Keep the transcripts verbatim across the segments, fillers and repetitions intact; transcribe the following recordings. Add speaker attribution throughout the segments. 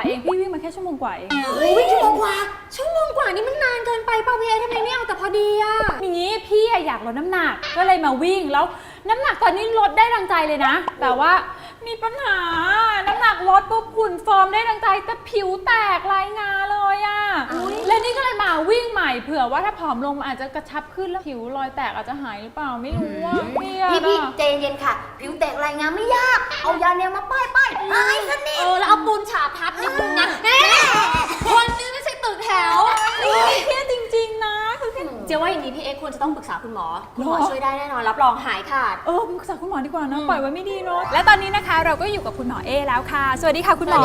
Speaker 1: เองพี่วิ่งมาแค่ชั่วโมงกว่าเอง
Speaker 2: วิ่งชั่วโมงกว่าชั่วโมงกว่านี่มันนานเกินไปเปล่าพี่เอทำไมไม่เอาแต่พอดีอะ
Speaker 1: อย่างนี้พี่อยากลดน้ำหนักก็เลยมาวิ่งแล้วน้ำหนักตอนนี้ลดได้ดังใจเลยนะแต่ว่ามีปัญหาน้ำหนักลดปุ๊บหุ่นฟอร์มได้ดังใจแต่ผิวแตกลายงาเลยอะและนี่ก็เลยมาวิ่งใหม่เผื่อว่าถ้าผอมลงอาจจะกระชับขึ้นแล้วผิวรอยแตกอาจจะหายหรือเปล่าไม่รู้ว่าพี่
Speaker 2: พี่ใจเย็นค่ะผิวแตกลายงาไม่ยากเอายาแนวมาป้ายป้ายหายสนิทเออแล้วเอาปูนฉาบทับนิดนึงนะคนนี้ไม่ใช่ตึกแถว
Speaker 1: เครียดจริงๆนะคือ
Speaker 2: เจ๊ว่าอย่างนี้พี่เอ็กควรจะต้องปรึกษาคุณหมอคุณหมอช่วยได้แน่นอนรับรองหายขาด
Speaker 1: เออปรึกษาคุณหมอดีกว่านะปล่อยไว้ไม่ดีเนาะและตอนนี้นะคะเราก็อยู่กับคุณหมอเอแล้วค่ะสวัสดีค่ะคุณหมอ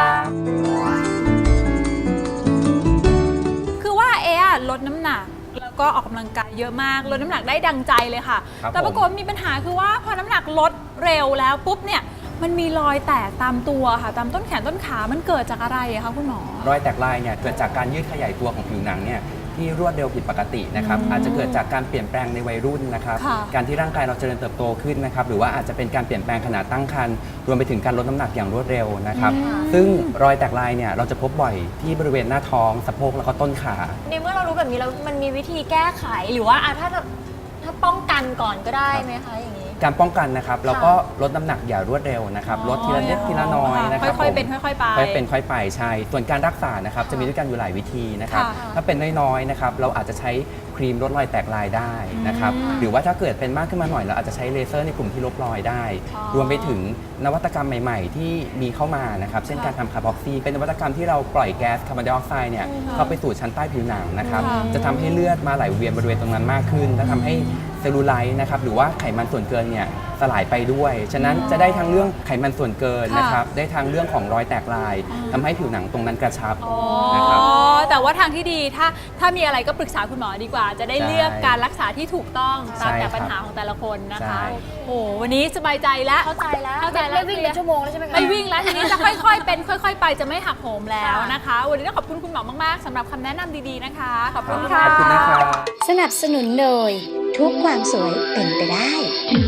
Speaker 1: คือว่าเออะลดน้ำหนักแล้วก็ออกกำลังกายเยอะมากลดน้ำหนักได้ดังใจเลยค่ะแต่ปรากฏมีปัญหาคือว่าพอน้ำหนักลดเร็วแล้วปุ๊บเนี่ยมันมีรอยแตกตามตัวค่ะตามต้นแขนต้นขามันเกิดจากอะไรอะคะคุณหมอ
Speaker 3: รอยแตกลายเนี่ยเกิดจากการยืดขยายตัวของผิวหนังเนี่ยที่รวดเร็วผิดปกตินะครับอาจจะเกิดจากการเปลี่ยนแปลงในวัยรุ่นนะครับการที่ร่างกายเราเจริญเติบโตขึ้นนะครับหรือว่าอาจจะเป็นการเปลี่ยนแปลงขณะตั้งครรภ์รวมไปถึงการลดน้ำหนักอย่างรวดเร็วนะครับซึ่งรอยแตกลายเนี่ยเราจะพบบ่อยที่บริเวณหน้าท้องสะโพกแล้วก็ต้นขา
Speaker 2: ในเมื่อเรารู้แบบนี้แล้วมันมีวิธีแก้ไขหรือว่าถ้าถ้าป้องกันก่อนก็ได้ไหมคะอย่างนี้
Speaker 3: การป้องกันนะครับแล้วก็ลดน้ำหนักอย่ารวดเร็วนะครับลดทีละเล็กทีละน้อยนะครับ
Speaker 1: ค่อยๆเป็นค่อยๆไป
Speaker 3: ค่อยเป็นค่อยไปใช่ส่วนการรักษานะครับจะมีด้วยกันอยู่หลายวิธีนะครับถ้าเป็นน้อยๆนะครับเราอาจจะใช้ครีมลดรอยแตกลายได้นะครับหรือว่าถ้าเกิดเป็นมากขึ้นมาหน่อยเราอาจจะใช้เลเซอร์ในกลุ่มที่ลบรอยได้รวมไปถึงนวัตกรรมใหม่ๆที่มีเข้ามานะครับเช่นการทำคาร์บอกซีเป็นนวัตกรรมที่เราปล่อยแก๊สคาร์บอนไดออกไซด์เนี่ยเข้าไปสู่ชั้นใต้ผิวหนังนะครับจะทำให้เลือดมาไหลเวียนบริเวณตรงนั้นมากขึ้นและทำให้เซลลูไลท์นะครับหรือว่าไขมันส่วนเกินเนี่ยสลายไปด้วยฉะนั้นจะได้ทั้งเรื่องไขมันส่วนเกินนะครับได้ทั้งเรื่องของรอยแตกลายทำให้ผิวหนังตรงนั้นกระชับนะครับ
Speaker 1: แต่ว่าทางที่ดีถ้าถ้ามีอะไรก็ปรึกษาคุณหมอดีกว่าจะได้เลือกการรักษาที่ถูกต้องตามแต่ปัญหาของแต่ละคนนะคะโอ้วันนี้สบายใจแล้ว
Speaker 2: เข้าใจแล้ว
Speaker 1: เข้าใจแล้ว
Speaker 2: ไม่วิ่งเป็นชั่วโมงแล้วใช่ไหมคะ
Speaker 1: ไม่วิ่งแล้วทีนี้จะค่อยๆเป็นค่อยๆไปจะไม่หักโหมแล้วนะคะวันนี้ต้องขอบคุณคุณหมอมากๆสำหรับคำแนะนำดีๆนะคะขอบคุณค่ะ
Speaker 3: ขอบคุณนะคะ
Speaker 4: สนับสนุนโดยทุกความสวยเป็นไปได้